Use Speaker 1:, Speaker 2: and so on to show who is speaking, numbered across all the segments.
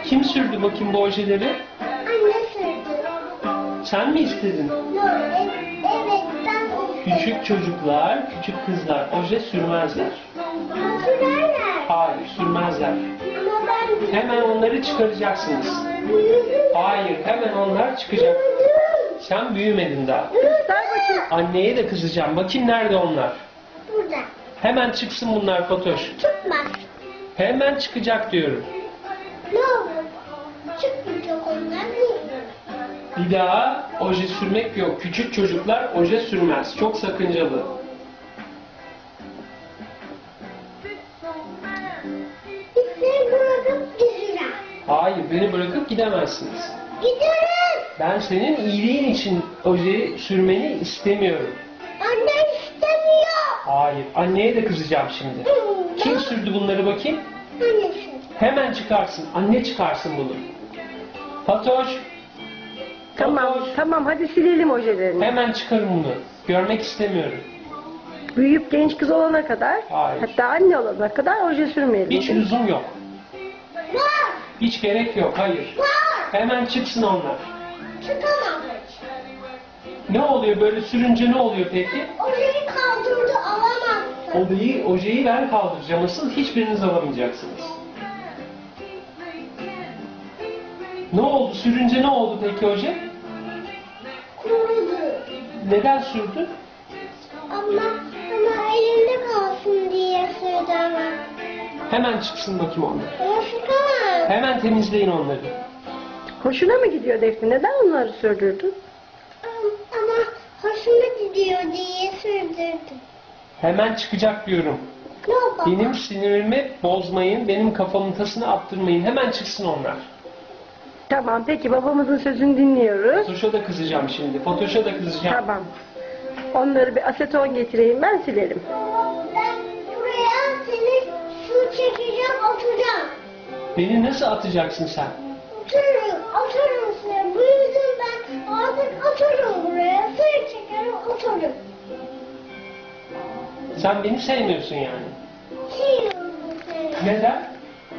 Speaker 1: Kim sürdü bakayım bu ojeleri?
Speaker 2: Anne sürdü.
Speaker 1: Sen mi istedin?
Speaker 2: Yok, evet ben
Speaker 1: Küçük çocuklar, küçük kızlar oje sürmezler.
Speaker 2: sürerler.
Speaker 1: Hayır, sürmezler.
Speaker 2: Ama ben
Speaker 1: Hemen onları çıkaracaksınız.
Speaker 2: büyüdüm.
Speaker 1: Hayır, hemen onlar çıkacak. Sen büyümedin daha.
Speaker 3: Göster bakayım.
Speaker 1: Anneye de kızacağım. Bakayım nerede onlar?
Speaker 2: Burada.
Speaker 1: Hemen çıksın bunlar Fatoş.
Speaker 2: Çıkmaz.
Speaker 1: Hemen çıkacak diyorum.
Speaker 2: Ne olur? Çıkmayacak onlar değil.
Speaker 1: Bir daha oje sürmek yok. Küçük çocuklar oje sürmez. Çok sakıncalı.
Speaker 2: Seni bırakıp gideceğim.
Speaker 1: Hayır, beni bırakıp gidemezsiniz.
Speaker 2: Giderim.
Speaker 1: Ben senin iyiliğin için oje sürmeni istemiyorum.
Speaker 2: Anne istemiyor.
Speaker 1: Hayır, anneye de kızacağım şimdi. Kim sürdü bunları bakayım?
Speaker 2: Anne sürdü.
Speaker 1: Hemen çıkarsın. Anne çıkarsın bunu. Fatoş.
Speaker 3: Tamam,
Speaker 1: Fatoş.
Speaker 3: tamam hadi silelim ojelerini.
Speaker 1: Hemen çıkarın bunu. Görmek istemiyorum.
Speaker 3: Büyüyüp genç kız olana kadar,
Speaker 1: Hayır.
Speaker 3: hatta anne olana kadar oje sürmeyelim.
Speaker 1: Hiç lüzum yok.
Speaker 2: Var.
Speaker 1: Hiç gerek yok. Hayır.
Speaker 2: Var.
Speaker 1: Hemen çıksın onlar.
Speaker 2: Çıkamam.
Speaker 1: Ne oluyor böyle sürünce ne oluyor peki?
Speaker 2: Ojeyi kaldırdı alamazsın.
Speaker 1: Ojeyi ben kaldıracağım. Asıl hiçbiriniz alamayacaksınız. Ne oldu? Sürünce ne oldu peki oje?
Speaker 2: Kurudu.
Speaker 1: Neden sürdü?
Speaker 2: Ama elimde kalsın diye sürdü ama.
Speaker 1: Hemen çıksın bakayım onlar.
Speaker 2: Ama çıkamam.
Speaker 1: Hemen temizleyin onları.
Speaker 3: Hoşuna mı gidiyor Defne? Neden onları sürdürdün?
Speaker 2: Ama hoşuma gidiyor diye sürdürdüm.
Speaker 1: Hemen çıkacak diyorum.
Speaker 2: Ne yapalım?
Speaker 1: Benim sinirimi bozmayın, benim kafamın tasını attırmayın. Hemen çıksın onlar.
Speaker 3: Tamam peki babamızın sözünü dinliyoruz.
Speaker 1: Fatoş'a da kızacağım şimdi. Fatoş'a da kızacağım.
Speaker 3: Tamam. Onları bir aseton getireyim ben silerim.
Speaker 2: Ben buraya seni su çekeceğim, atacağım.
Speaker 1: Beni nasıl atacaksın sen?
Speaker 2: Atarım seni. Büyüdüm ben. Artık atarım buraya. Seni çekerim, atarım.
Speaker 1: Sen beni sevmiyorsun yani.
Speaker 2: Seviyorum seni.
Speaker 1: Neden?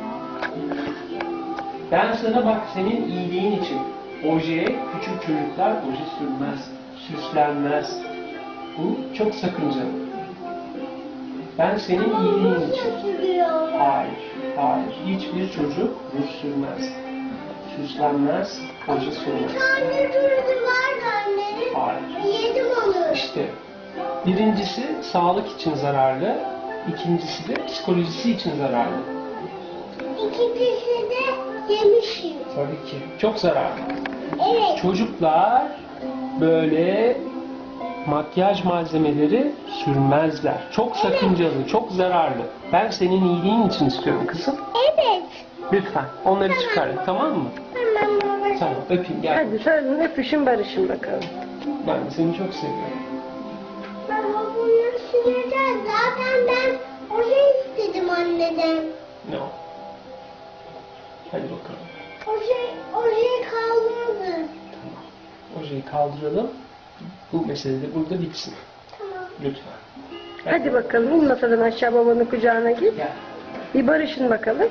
Speaker 1: Ben sana bak senin iyiliğin için. Ojeye küçük çocuklar oje sürmez, süslenmez. Bu çok sakıncalı. Ben senin iyiliğin için.
Speaker 2: Sürüyor.
Speaker 1: Hayır, hayır. Hiçbir çocuk ruj sürmez. Süslenmez, oje sürmez.
Speaker 2: Tane durdu vardı anne.
Speaker 1: Hayır.
Speaker 2: Yedim onu.
Speaker 1: İşte birincisi sağlık için zararlı, ikincisi de psikolojisi için zararlı.
Speaker 2: İkincisi de yemişim.
Speaker 1: Tabii ki. Çok zararlı.
Speaker 2: Evet.
Speaker 1: Çocuklar böyle makyaj malzemeleri sürmezler. Çok sakıncalı, çok zararlı. Ben senin iyiliğin için istiyorum kızım.
Speaker 2: Evet.
Speaker 1: Lütfen onları çıkarın, tamam mı?
Speaker 2: Tamam baba.
Speaker 1: Tamam, öpeyim gel.
Speaker 3: Hadi sarılın öpüşün barışın bakalım.
Speaker 1: Ben de seni çok seviyorum.
Speaker 2: Baba bunu sileceğiz. Zaten ben oje istedim anneden.
Speaker 1: No. Hadi bakalım.
Speaker 2: Ojeyi kaldırdı.
Speaker 1: Tamam. Ojeyi kaldıralım. Bu mesele de burada bitsin.
Speaker 2: Tamam.
Speaker 1: Lütfen.
Speaker 3: Hadi bakalım in masadan aşağı babanın kucağına git.
Speaker 1: Gel.
Speaker 3: Bir barışın bakalım.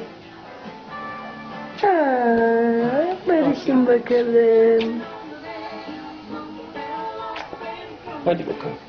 Speaker 3: Barışın bakalım.
Speaker 1: Hadi bakalım.